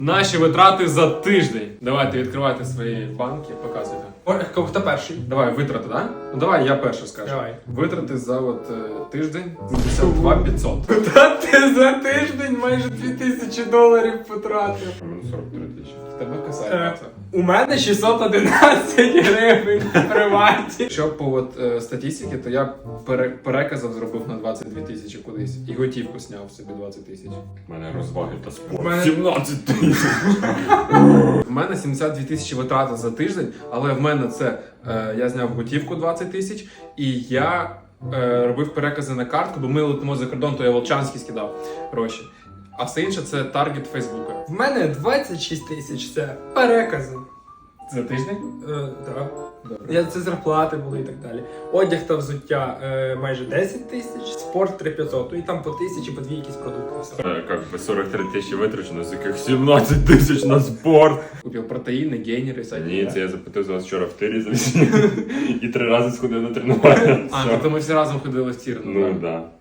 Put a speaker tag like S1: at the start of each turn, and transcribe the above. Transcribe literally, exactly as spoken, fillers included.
S1: Наші витрати за тиждень. Давайте відкривайте свої банки, показуйте.
S2: О, хто перший?
S1: Давай, витрати, так? Да? Ну давай, я перше скажу.
S2: Давай.
S1: Витрати за от е, тиждень сімдесят два п'ятсот.
S2: Та ти за тиждень майже дві тисячі доларів потратив.
S1: сорок три тисячі. Тебе касається.
S2: У мене шістсот одинадцять гривень в приваті.
S1: Якщо по от, е, статистиці, то я пере, переказав зробив на двадцять дві тисячі кудись. І готівку зняв собі двадцять тисяч.
S3: У мене розваги та спорт.
S2: У мене-
S3: сімнадцять тисяч.
S1: У мене сімдесят дві тисячі витрати за тиждень, але в мене це е, я зняв готівку двадцять тисяч і я е, робив перекази на картку, бо ми летимо за кордон, то я Волчанський скидав гроші. А все інше це таргет Фейсбука.
S2: В мене двадцять шість тисяч, це перекази.
S1: За тиждень?
S2: Е, да.
S1: Добре.
S2: Я, це зарплати були і так далі. Одяг та взуття е, майже десять тисяч, спорт три п'ятсот, ну і там по тисячі, по дві якісь продукти. Все.
S3: Е, Как би сорок три тисячі витрачено, з яких сімнадцять тисяч на спорт.
S1: Купив протеїни, гейнери, всякі.
S3: Ні, це я запитав за вас вчора в тирі завісні. І три рази сходив на тренування.
S1: А,
S3: Все.
S1: тобто ми всі разом ходили в тір.
S3: Ну, да.